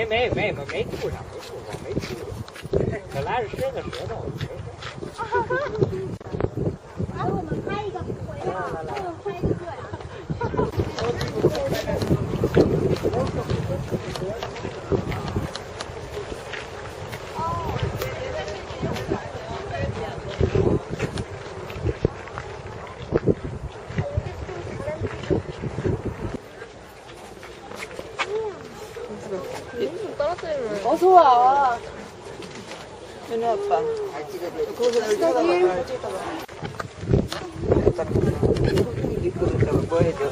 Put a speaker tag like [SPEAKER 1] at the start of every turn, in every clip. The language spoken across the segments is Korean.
[SPEAKER 1] 没吐上，没吐。本来是舌头。
[SPEAKER 2] 来，我们拍一个回来，给我拍一个这样。
[SPEAKER 3] 어서 와. 현우 아빠. 거기서 널 쳐다봐.
[SPEAKER 1] 뭐 해줘?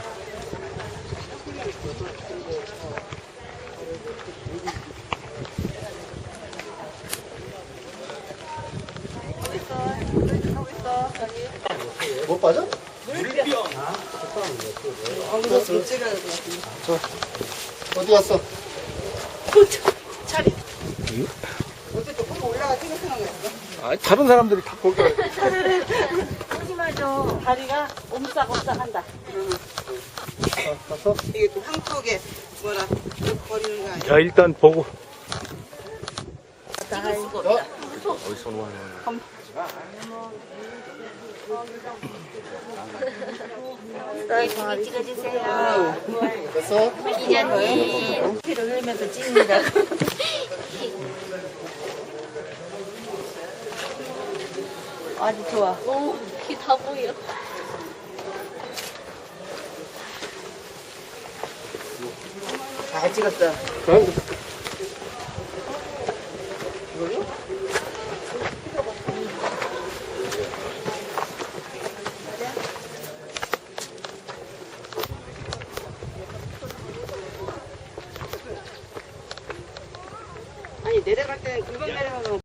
[SPEAKER 4] 못 빠져?
[SPEAKER 3] 거기서 못 찍어야 될 것 같은데.
[SPEAKER 4] 어디 갔어?
[SPEAKER 3] 차리. 어쨌든 거기 올라가 찍었으면
[SPEAKER 4] 아, 다른 사람들이 다 거기.
[SPEAKER 3] 조심하죠. 다리가 옴싹옴싹한다.
[SPEAKER 4] 가서?
[SPEAKER 3] 이게 또 한쪽에 뭐라 버리는 거 아니야?
[SPEAKER 4] 자, 일단 보고.
[SPEAKER 3] 찍을 수가 없다.
[SPEAKER 4] 어디서 놓아놓은
[SPEAKER 2] 예쁘게 찍어주세요.
[SPEAKER 4] 됐어?
[SPEAKER 2] 기자님.
[SPEAKER 3] 피를 흘리면서 찍는다. 아주 좋아.
[SPEAKER 2] 오, 키 다 보여.
[SPEAKER 3] 잘 찍었어. 아니 내려갈 때는 금방 내려가면